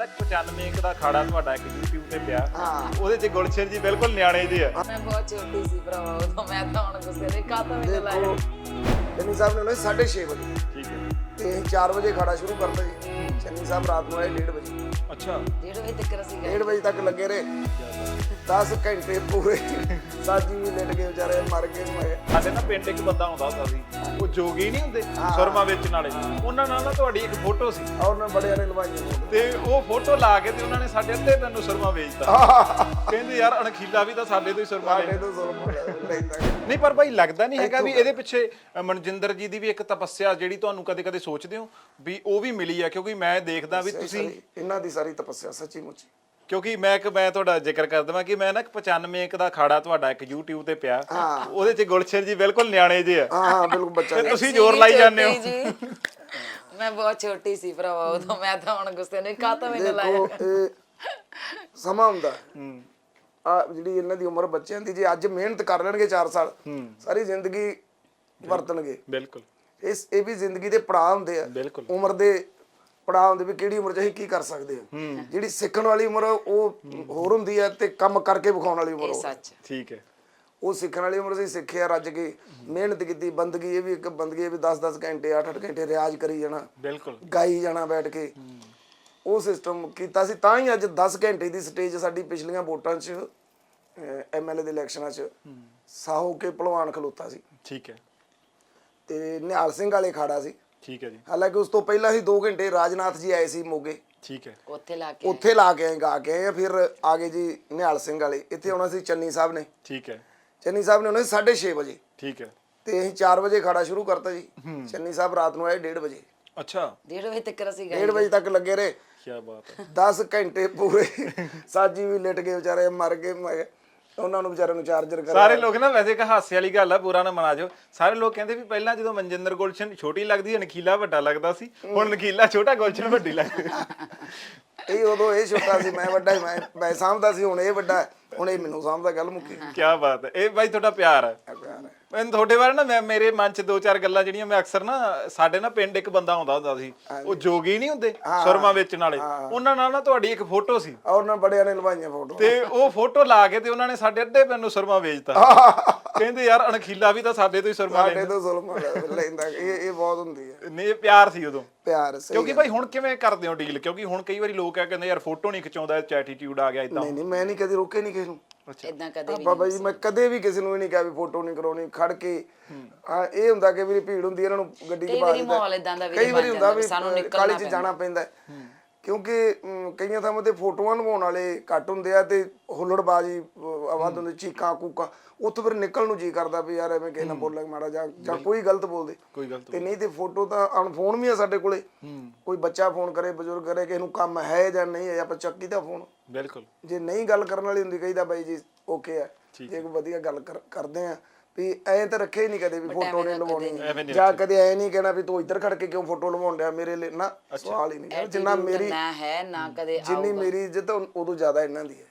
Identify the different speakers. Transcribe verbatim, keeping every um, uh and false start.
Speaker 1: ਨਾ ਪਚਾਨਵੇਂ ਇੱਕ ਦਾ ਖਾੜਾ ਤੁਹਾਡਾ ਇੱਕ YouTube ਤੇ ਪਿਆ
Speaker 2: ਹਾਂ
Speaker 1: ਉਹਦੇ 'ਚ ਗੁਲਸ਼ਨ ਜੀ ਬਿਲਕੁਲ ਨਿਆਣੇ ਜਿਹੇ ਆ।
Speaker 3: ਮੈਂ ਬਹੁਤ ਛੋਟੀ ਸੀ ਭਰਾਵਾ ਉਦੋਂ ਮੈਂ ਤਾਂ ਹੁਣ ਗੁੱਸੇ ਦੇ ਕਾਤਾ ਮੈਨੂੰ ਲਾਇਆ
Speaker 2: ਦੇਖੋ ਚੰਨੀ ਸਾਹਿਬ ਨੇ ਉਹਨੇ ਸਾਢੇ ਛੇ ਵਜੇ
Speaker 1: ਠੀਕ ਹੈ
Speaker 2: ਤੇ ਅਸੀਂ ਚਾਰ ਵਜੇ ਖਾੜਾ ਸ਼ੁਰੂ ਕਰਤਾ ਜੀ। ਚੰਨੀ ਸਾਹਿਬ ਰਾਤ ਨੂੰ ਆਏ ਡੇਢ ਵਜੇ
Speaker 1: ਅੱਛਾ
Speaker 3: ਡੇਢ ਵਜੇ ਤੱਕ ਅਸੀਂ ਗਏ
Speaker 2: ਡੇਢ ਵਜੇ ਤੱਕ ਲੱਗੇ ਰਹੇ ਦਸ ਘੰਟੇ ਪੂਰੇ ਸਾਜੀ ਵੀ ਲਿਟ ਕੇ ਵਿਚਾਰੇ ਮਰ ਗਏ ਮੈਂ
Speaker 1: ਸਾਡੇ ਨਾ ਪਿੰਡ ਇੱਕ ਬੰਦਾ ਆਉਂਦਾ ਹੁੰਦਾ ਸੀ ਉਹ ਜੋਗੀ ਨਹੀਂ ਹੁੰਦੇ ਸੁਰਮਾ ਵੇਚਣ ਵਾਲੇ ਉਹਨਾਂ ਨਾਲ ਨਾ ਤੁਹਾਡੀ ਇੱਕ ਫੋਟੋ ਸੀ
Speaker 2: ਔਰ ਨਾ ਬੜਿਆਂ ਨੇ ਲਵਾਈਆਂ ਫੋਟੋ
Speaker 1: ਤੇ ਉਹ ਫੋਟੋ ਲਾ ਕੇ ਤੇ ਉਹਨਾਂ ਨੇ ਸਾਡੇ ਅੱਧੇ ਪਿੰਡ ਨੂੰ ਸੁਰਮਾ ਵੇਚਤਾ ਕਹਿੰਦੇ ਯਾਰ ਅਣਖੀਲਾ ਵੀ ਤਾਂ ਸਾਡੇ ਤੋਂ ਹੀ ਸੁਰਮਾ
Speaker 2: ਸਾਡੇ
Speaker 1: ਲੈ
Speaker 2: ਤੋਂ ਸੁਰਮਾ ਲੈਂਦਾ
Speaker 1: ਨਹੀਂ ਪਰ ਭਾਈ ਲੱਗਦਾ ਨਹੀਂ ਹੈਗਾ ਵੀ ਇਹਦੇ ਪਿੱਛੇ ਅ, ਮਨਜਿੰਦਰ ਜੀ ਦੀ ਵੀ ਇੱਕ ਤਪੱਸਿਆ ਜਿਹੜੀ ਤੁਹਾਨੂੰ ਕਦੇ-ਕਦੇ ਸੋਚਦੇ ਹੋ ਵੀ ਉਹ ਵੀ ਮਿਲੀ ਆ ਕਿਉਂਕਿ ਮੈਂ ਦੇਖਦਾ ਵੀ ਤੁਸੀਂ
Speaker 2: ਇਹਨਾਂ ਦੀ ਸਾਰੀ ਤਪੱਸਿਆ ਸੱਚੀ ਮੁੱਚੀ
Speaker 1: ਕਿਉਂਕਿ ਮੈਂ ਇੱਕ ਮੈਂ ਤੁਹਾਡਾ ਜ਼ਿਕਰ ਕਰ ਦਵਾਂ ਕਿ ਮੈਂ ਨਾ ਇੱਕ ਪਚਾਨਵੇਂ ਇੱਕ ਦਾ ਖਾੜਾ ਤੁਹਾਡਾ ਇੱਕ YouTube ਤੇ ਪਿਆ ਉਹਦੇ 'ਚ ਗੁਲਸ਼ਨ ਜੀ ਬਿਲਕੁਲ ਨਿਆਣੇ ਜਿਹੇ ਆ
Speaker 2: ਹਾਂ ਹਾਂ ਬਿਲਕੁਲ ਬੱਚਾ
Speaker 1: ਤੇ ਤੁਸੀਂ ਜ਼ੋਰ ਲਾਈ ਜਾਂਦੇ ਹੋ
Speaker 3: ਜੀ ਮੈਂ ਬਹੁਤ ਛੋਟੀ ਸੀ ਭਰਾਵਾ ਉਦੋਂ ਮੈਂ ਤਾਂ ਹੁਣ ਗੁੱਸੇ ਦੇ ਕਾਤਾ ਮੈਨੂੰ ਲਾਇਆ
Speaker 2: ਦੇਖੋ ਇਹ ਸਮਾਂ ਹੁੰਦਾ ਆ ਜਿਹੜੀ ਇਹਨਾਂ ਦੀ ਉਮਰ ਬੱਚਿਆਂ ਦੀ ਜੇ ਅੱਜ ਮਿਹਨਤ ਕਰ ਲੈਣਗੇ ਚਾਰ ਸਾਲ ਸਾਰੀ ਜ਼ਿੰਦਗੀ ਵਰਤਣਗੇ
Speaker 1: ਬਿਲਕੁਲ
Speaker 2: ਇਸ ਇਹ ਵੀ ਜ਼ਿੰਦਗੀ ਦੇ ਪੜਾਅ ਹੁੰਦੇ ਆ
Speaker 1: ਬਿਲਕੁਲ
Speaker 2: ਉਮਰ ਦੇ ਪੜਾਅ ਹੁੰਦੇ ਵੀ ਕਿਹੜੀ ਉਮਰ 'ਚ ਅਸੀਂ ਕੀ ਕਰ ਸਕਦੇ ਆ ਜਿਹੜੀ ਸਿੱਖਣ ਵਾਲੀ ਉਮਰ ਉਹ ਹੋਰ ਹੁੰਦੀ ਆ ਤੇ ਕੰਮ ਕਰਕੇ ਵਿਖਾਉਣ ਵਾਲੀ ਉਮਰ
Speaker 3: ਇਹ
Speaker 2: ਹੋਰ।
Speaker 3: ਸੱਚ
Speaker 1: ਠੀਕ ਹੈ
Speaker 2: ਉਹ ਸਿੱਖਣ ਵਾਲੀ ਉਮਰ ਸੀ ਸਿੱਖਿਆ ਰੱਜ ਕੇ ਮਿਹਨਤ ਕੀਤੀ ਬੰਦਗੀ ਇਹ ਵੀ ਇੱਕ ਬੰਦਗੀ ਇਹ ਵੀ ਦਸ ਦਸ ਘੰਟੇ ਅੱਠ ਅੱਠ ਘੰਟੇ ਰਿਆਜ਼ ਕਰੀ ਜਾਣਾ
Speaker 1: ਬਿਲਕੁਲ
Speaker 2: ਗਾਈ ਜਾਣਾ ਬੈਠ ਕੇ ਉਹ ਸਿਸਟਮ ਕੀਤਾ ਸੀ ਤਾਂ ਹੀ ਅੱਜ ਦਸ ਘੰਟੇ ਦੀ ਸਟੇਜ ਸਾਡੀ ਪਿਛਲੀਆਂ ਵੋਟਾਂ 'ਚ ਐਮਐਲਏ ਦੇ ਇਲੈਕਸ਼ਨਾਂ 'ਚ ਸਾਹੋ ਕੇ ਭਲਵਾਨ ਖਲੋਤਾ ਸੀ
Speaker 1: ਠੀਕ ਹੈ
Speaker 2: ਤੇ ਨਿਹਾਲ ਸਿੰਘ ਵਾਲੇ ਖਾੜਾ ਸੀ
Speaker 1: ਠੀਕ ਹੈ ਜੀ
Speaker 2: ਹਾਲਾਂਕਿ ਉਸ ਤੋਂ ਪਹਿਲਾਂ ਹੀ ਦੋ ਘੰਟੇ ਰਾਜਨਾਥ ਜੀ ਆਏ ਸੀ ਮੋਗੇ
Speaker 1: ਠੀਕ ਹੈ
Speaker 3: ਉੱਥੇ ਲਾ ਕੇ
Speaker 2: ਉੱਥੇ ਲਾ ਕੇ ਆਏ ਗਾ ਕੇ ਆਏ ਫਿਰ ਆ ਗਏ ਜੀ ਨਿਹਾਲ ਸਿੰਘ ਵਾਲੇ ਇੱਥੇ ਆਉਣਾ ਸੀ ਚੰਨੀ ਸਾਹਿਬ ਨੇ
Speaker 1: ਠੀਕ ਹੈ
Speaker 2: ਚੰਨੀ ਸਾਹਿਬ ਨੇ ਆਉਣਾ ਸੀ ਸਾਢੇ ਛੇ ਵਜੇ
Speaker 1: ਠੀਕ ਹੈ
Speaker 2: ਤੇ ਅਸੀਂ ਚਾਰ ਵਜੇ ਖਾੜਾ ਸ਼ੁਰੂ ਕਰਤਾ ਜੀ ਚੰਨੀ ਸਾਹਿਬ ਰਾਤ ਨੂੰ ਆਏ ਡੇਢ ਵਜੇ
Speaker 1: ਅੱਛਾ
Speaker 3: ਡੇਢ ਵਜੇ ਤੱਕ ਅਸੀਂ ਗਏ
Speaker 2: ਡੇਢ ਵਜੇ ਤੱਕ ਲੱਗੇ ਰਹੇ
Speaker 1: ਕੀ ਬਾਤ ਹੈ
Speaker 2: ਦਸ ਘੰਟੇ ਪੂਰੇ ਸਾਜੀ ਵੀ ਲਿਟ ਕੇ ਵਿਚਾਰੇ ਮਰ ਗਏ ਮੈਂ ਉਹਨਾਂ ਨੂੰ ਵਿਚਾਰਿਆਂ ਨੂੰ ਚਾਰਜਰ ਕਰ
Speaker 1: ਸਾਰੇ ਲੋਕ ਨਾ ਵੈਸੇ ਇੱਕ ਹਾਸੇ ਵਾਲੀ ਗੱਲ ਆ ਬੁਰਾ ਨਾ ਮਨਾ ਜਾਓ ਸਾਰੇ ਲੋਕ ਕਹਿੰਦੇ ਵੀ ਪਹਿਲਾਂ ਜਦੋਂ ਮਨਜਿੰਦਰ ਗੁਲਸ਼ਨ ਛੋਟੀ ਲੱਗਦੀ ਨਖੀਲਾ ਵੱਡਾ ਲੱਗਦਾ ਸੀ ਹੁਣ ਨਖੀਲਾ ਛੋਟਾ ਗੁਲਸ਼ਨ ਵੱਡੀ ਲੱਗਦੀ
Speaker 2: ਇਹ ਉਦੋਂ ਇਹ ਛੋਟਾ ਸੀ ਮੈਂ ਵੱਡਾ ਮੈਂ ਮੈਂ ਸਾਂਭਦਾ ਸੀ ਹੁਣ ਇਹ ਵੱਡਾ ਹੁਣ ਇਹ ਮੈਨੂੰ ਸਾਂਭਦਾ ਗੱਲ ਮੁੱਕੀ
Speaker 1: ਕੀ ਬਾਤ ਹੈ ਇਹ ਬਾਈ ਤੁਹਾਡਾ ਪਿਆਰ ਹੈ
Speaker 2: ਪਿਆਰ ਹੈ
Speaker 1: ਮੈਨੂੰ ਤੁਹਾਡੇ ਬਾਰੇ ਨਾ ਮੈਂ ਮੇਰੇ ਮਨ 'ਚ ਦੋ ਚਾਰ ਗੱਲਾਂ ਜਿਹੜੀਆਂ ਮੈਂ ਅਕਸਰ ਨਾ ਸਾਡੇ ਨਾ ਪਿੰਡ ਇੱਕ ਬੰਦਾ ਆਉਂਦਾ ਹੁੰਦਾ ਸੀ ਉਹ ਜੋਗੀ ਨਹੀਂ ਹੁੰਦੇ ਸੁਰਮਾ ਵੇਚਣ ਵਾਲੇ ਉਹਨਾਂ ਨਾਲ ਨਾ ਤੁਹਾਡੀ ਇੱਕ ਫੋਟੋ ਸੀ
Speaker 2: ਔਰ ਨਾ ਬੜਿਆਂ ਨੇ ਲਵਾਈਆਂ ਫੋਟੋ
Speaker 1: ਤੇ ਉਹ ਫੋਟੋ ਲਾ ਕੇ ਤੇ ਉਹਨਾਂ ਨੇ ਸਾਡੇ ਅੱਧੇ ਪਿੰਡ ਨੂੰ ਸੁਰਮਾ ਵੇਚਤਾ ਕਹਿੰਦੇ ਯਾਰ ਅਣਖੀਲਾ ਵੀ ਤਾਂ ਸਾਡੇ ਤੋਂ ਹੀ ਸੁਰਮਾ
Speaker 2: ਸਾਡੇ
Speaker 1: ਲੈਂਦਾ
Speaker 2: ਤੋਂ ਜ਼ੁਲਮ ਲੈਂਦਾ ਇਹ ਇਹ ਬਹੁਤ ਹੁੰਦੀ ਹੈ
Speaker 1: ਨਹੀਂ ਇਹ ਪਿਆਰ ਸੀ ਉਦੋਂ
Speaker 2: ਪਿਆਰ ਸਹੀ
Speaker 1: ਕਿਉਂਕਿ ਭਾਈ ਹੁਣ ਕਿਵੇਂ ਕਰਦੇ ਹੋ ਡੀਲ ਕਿਉਂਕਿ ਹੁਣ ਕਈ ਵਾਰੀ ਲੋਕ ਆ ਕਹਿੰਦੇ ਯਾਰ ਫੋਟੋ ਨਹੀਂ ਖਿਚਾਉਂਦਾ ਐਟੀਟਿਊਡ ਆ ਗਿਆ ਇਦਾਂ
Speaker 2: ਨਹੀਂ ਨਹੀਂ ਮੈਂ ਨਹੀਂ ਕਦੇ ਰੋਕੇ ਨਹੀਂ ਕਿਸੇ ਨੂੰ
Speaker 3: ਇਦਾਂ ਕਦੇ ਵੀ
Speaker 2: ਬਾਬਾ ਜੀ ਮੈਂ ਕਦੇ ਵੀ ਕਿਸੇ ਨੂੰ ਵੀ ਨਹੀਂ ਕਿਹਾ ਵੀ ਫੋਟੋ ਨਹੀਂ ਕਰਾਉਣੀ ਖੜ ਕੇ ਆ ਇਹ ਹੁੰਦਾ ਕਿ ਵੀ ਭੀੜ ਹੁੰਦੀ ਇਹਨਾਂ ਨੂੰ ਗੱਡੀ 'ਚ
Speaker 3: ਕਈ
Speaker 2: ਪਾ
Speaker 3: ਵਾਰੀ
Speaker 2: ਦਿੰਦਾ
Speaker 3: ਮਾਹੌਲ ਇਦਾਂ ਦਾ ਵੀ
Speaker 2: ਕਈ ਵਾਰੀ ਹੁੰਦਾ ਵੀ
Speaker 3: ਸਾਨੂੰ
Speaker 2: ਕਾਲੀ
Speaker 3: ਨਿਕਲਣਾ
Speaker 2: 'ਚ ਜਾਣਾ ਪੈਂਦਾ ਕਿਉਂਕਿ ਅਮ, ਕਈਆਂ ਥਾਵਾਂ ਤੇ ਫੋਟੋਆਂ ਲਵਾਉਣ ਵਾਲੇ ਘੱਟ ਹੁੰਦੇ ਆ ਤੇ ਹੁੱਲੜਬਾਜੀ ਆਵਾਜ਼ ਹੁੰਦੀ ਚੀਕਾਂ ਕੂਕਾਂ ਉੱਥੋਂ ਫਿਰ ਨਿਕਲਣ ਨੂੰ ਜੀ ਕਰਦਾ ਵੀ ਯਾਰ ਐਵੇਂ ਕਿਸੇ ਨਾਲ ਬੋਲਾਂਗੇ ਮਾੜਾ ਜਾਂ ਜਾਂ ਕੋਈ ਗਲਤ ਬੋਲਦੇ
Speaker 1: ਕੋਈ ਗਲਤ
Speaker 2: ਤੇ ਨਹੀਂ ਤੇ ਫੋਟੋ ਤਾਂ ਅਣ ਫੋਨ ਵੀ ਆ ਸਾਡੇ ਕੋਲੇ ਕੋਈ ਬੱਚਾ ਫੋਨ ਕਰੇ ਬਜ਼ੁਰਗ ਕਰੇ ਕਿਸੇ ਨੂੰ ਕੰਮ ਹੈ ਜਾਂ ਨਹੀਂ ਹੈ ਆਪਾਂ ਚੱਕੀ ਦਾ ਫੋਨ
Speaker 1: ਬਿਲਕੁਲ
Speaker 2: ਜੇ ਨਹੀਂ ਗੱਲ ਕਰਨ ਵਾਲੀ ਹੁੰਦੀ ਕਹੀਦਾ ਬਾਈ ਜੀ ਓਕੇ ਆ ਜੇ ਕੋਈ ਵਧੀਆ ਗੱਲ ਕਰਦੇ ਆ ਵੀ ਐ ਤਾਂ ਰੱਖੇ ਹੀ ਨਹੀਂ ਕਦੇ ਵੀ ਫੋਟੋ ਨਹੀਂ ਲਵਾਉਣੀ ਜਾਂ ਕਦੇ ਐ ਨਹੀਂ ਕਹਿਣਾ ਵੀ ਤੂੰ ਇੱਧਰ ਖੜ ਕੇ ਕਿਉਂ ਫੋਟੋ ਲਵਾਉਣ ਡਿਆ ਮੇਰੇ ਲਈ ਨਾ ਸਵਾਲ ਹੀ ਨਹੀਂ ਜਿੰਨਾ ਮੇਰੀ
Speaker 3: ਨਾ ਹੈ ਨਾ ਕਦੇ
Speaker 2: ਜਿੰਨੀ ਮੇਰੀ ਇੱਜ਼ਤ ਉਦੋਂ ਜ਼ਿਆਦਾ ਇਹਨਾਂ ਦੀ ਹੈ